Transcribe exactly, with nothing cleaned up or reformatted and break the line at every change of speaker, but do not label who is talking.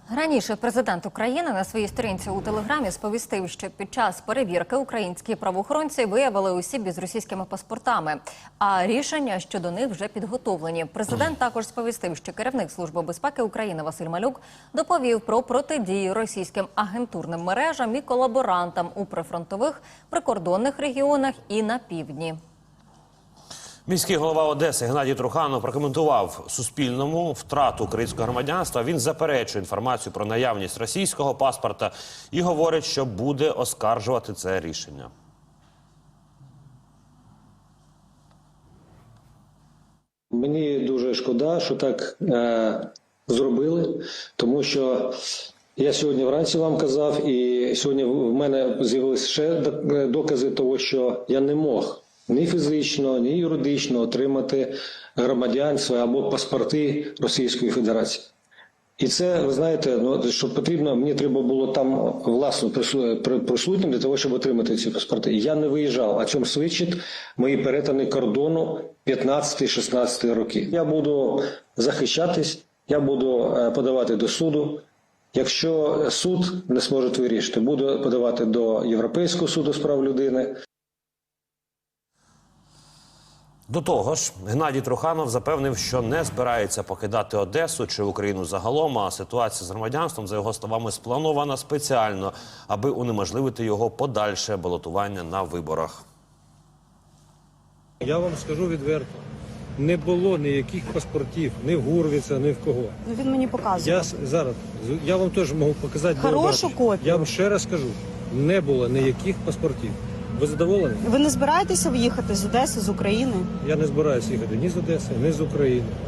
Раніше президент України на своїй сторінці у Телеграмі сповістив, що під час перевірки українські правоохоронці виявили осіб із російськими паспортами, а рішення щодо них вже підготовлені. Президент також сповістив, що керівник Служби безпеки України Василь Малюк доповів про протидію російським агентурним мережам і колаборантам у прифронтових, прикордонних регіонах і на півдні.
Міський голова Одеси Геннадій Труханов прокоментував Суспільному втрату українського громадянства. Він заперечує інформацію про наявність російського паспорта і говорить, що буде оскаржувати це рішення.
Мені дуже шкода, що так е, зробили, тому що я сьогодні вранці вам казав, і сьогодні в мене з'явилися ще докази того, що я не мог ні фізично, ні юридично отримати громадянство або паспорти Російської Федерації. І це, ви знаєте, ну, що потрібно, мені треба було там власно присутнім для того, щоб отримати ці паспорти. Я не виїжджав, а чому свідчить мої перетини кордону п'ятнадцятого-шістнадцятого роки. Я буду захищатись, я буду подавати до суду. Якщо суд не зможе вирішити, буду подавати до Європейського суду з прав людини.
До того ж, Геннадій Труханов запевнив, що не збирається покидати Одесу чи Україну загалом, а ситуація з громадянством, за його словами, спланована спеціально, аби унеможливити його подальше балотування на виборах.
Я вам скажу відверто, не було ніяких паспортів, ні в Гурвіца, ні в кого.
Ну, він мені показує.
Я зараз, я вам теж можу показати.
Хорошу копію.
Я вам ще раз скажу, не було ніяких паспортів. Ви задоволені?
Ви не збираєтеся в'їхати з Одеси, з України?
Я не збираюся їхати ні з Одеси, ні з України.